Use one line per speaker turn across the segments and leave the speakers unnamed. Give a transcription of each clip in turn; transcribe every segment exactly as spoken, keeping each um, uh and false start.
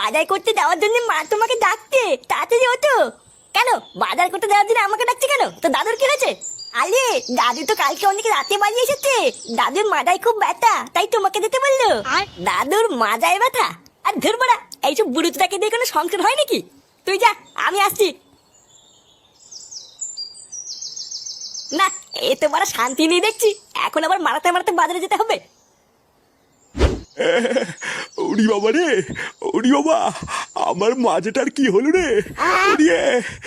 বাজার করতে দেওয়ার জন্য মা তোমাকে ডাকতে, তাড়াতাড়ি ওঠো। কেন বাজার করতে দেওয়ার জন্য আমাকে ডাকছে কেন? তো দাদুর কি হয়েছে? আরে দাদু তো কালকে অনেক রাতে বাড়ি এসেছে, দাদুর মাজায় খুব ব্যথা, তাই তোমাকে দিতে বললো। দাদুর মাজায় ব্যথা? আর ধরবড়া, এইসব বুড়োটাকে দিয়ে কোনো সংসার হয় নাকি? তুই যা, আমি আসছি। না, এ তো বড় শান্তি নেই দেখছি, এখন আবার মারাতে মারাতে বাজারে যেতে হবে।
ওরি বাবা রে, ওরি বাবা, আমার মাঝেটার কি হলো রে? উড়িয়ে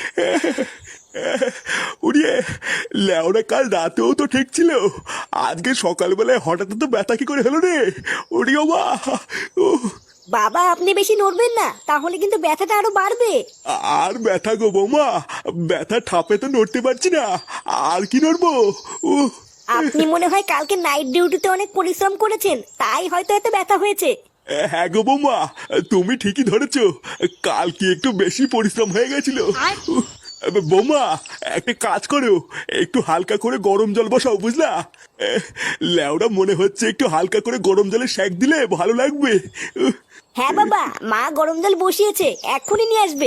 উড়িয়ে লেওরা, কাল রাতেও তো ঠিক ছিল, আজকে সকালবেলায় হঠাৎ তো ব্যথা কি করে হলো রে? ওরি বাবা। উহ,
বাবা আপনি বেশি নড়বেন না, তাহলে কিন্তু ব্যথাটা আরো বাড়বে।
আর ব্যথা গো বৌমা, ব্যথা ঠাপে তো নড়তে পারছি না, আর কি নড়বো? উহ,
আপনি মনে হয় কালকে নাইট ডিউটিতে অনেক পরিশ্রম করেছেন, তাই হয়তো এত ব্যথা হয়েছে।
হ্যাঁ গো বৌমা, তুমি ঠিকই ধরেছো, কাল কি একটু বেশি পরিশ্রম হয়ে গেছিল। উহ, বৌমা একটা কাজ করো, একটু হালকা করে গরম জল বসাও, বুঝলা? এহ, লেওরা মনে হচ্ছে একটু হালকা করে গরম জলে সেক দিলে ভালো লাগবে। উহ,
হ্যাঁ বাবা, মা গরম জল বসিয়েছে, এক্ষুনি নিয়ে আসবে।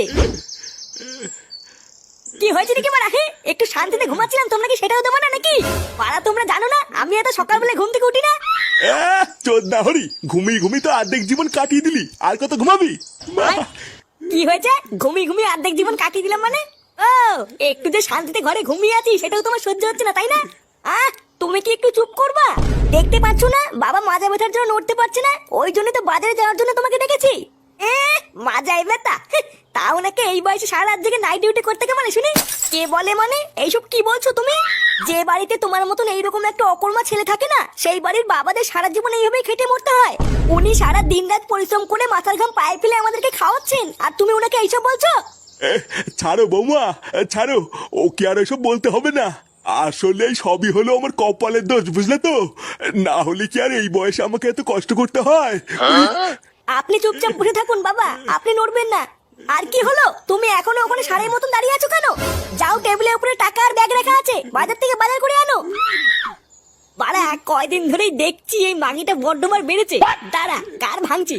কি হয়েছে নাকি মারা? হ্যাঁ, একটু শান্তিতে ঘুমাচ্ছিলাম, তোমরা কি সেটাও দেবো না নাকি? পাড়া তোমরা জানো না আমি এত সকালবেলা ঘুম থেকে উঠি না?
চোদ্দা হরি, ঘুমিয়ে ঘুমিয়ে তো অর্ধেক জীবন কাটিয়ে দিলি, আর কত ঘুমাবি?
কি হয়েছে? ঘুমিয়ে ঘুমিয়ে অর্ধেক জীবন কাটিয়ে দিলাম মানে? ও, একটু যে শান্তিতে ঘরে ঘুমিয়ে আছি সেটাও তোমার সহ্য হচ্ছে না, তাই না? আহ, তুমি কি একটু চুপ করবা? দেখতে পাচ্ছ না বাবা মাজা ব্যথার জন্য নড়তে পারছে না, ওই জন্য তো বাজারে যাওয়ার জন্য তোমাকে ডেকেছি। এ মাজায় ব্যথা? তাও নাকি এই বয়সে সারা রাত জেগে নাইট ডিউটি করতে কে মানে শুনি? কে বলে মানে? এইসব কি বলছো তুমি? যে বাড়িতে তোমার মতন এইরকম একটা অকর্মা ছেলে থাকে না, সেই বাড়ির বাবাদের সারা জীবন এইভাবেই খেটে মরতে হয়। উনি সারা দিন রাত পরিশ্রম করে মাথার ঘাম পায়ে ফেলে আমাদেরকে খাওয়াচ্ছেন, আর তুমি ওনাকে এইসব বলছো?
এহ, ছাড়ো বৌমা, ছাড়ো, ওকে আর এসব বলতে হবে না, আসলে সবই হলো আমার কপালের দোষ, বুঝলে তো? না হলে কি আর এই বয়সে আমাকে এত কষ্ট করতে হয়?
আপনি চুপচাপ বসে থাকুন বাবা, আপনি নড়বেন না। আর কি হলো, তুমি এখনো ওখানে সারের মতন দাঁড়িয়ে আছো কেন? যাও, টেবিলের উপরে টাকা আর ব্যাগ রাখা আছে, বাজার থেকে বাজার করে আনো। বাড়া, কয়দিন ধরেই দেখছি এই মাগিটা বড্ডমার বেড়েছে, দাঁড়া কার ভাঙছি।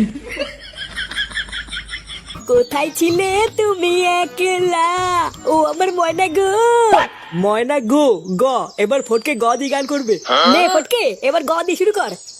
কোথায় ছিলে তুমি একলা, ও আমার ময়না গো?
ময়না গো গ, এবার ফটকে গ দিয়ে গান করবে।
নে ফটকে, এবার গ দিয়ে শুরু কর।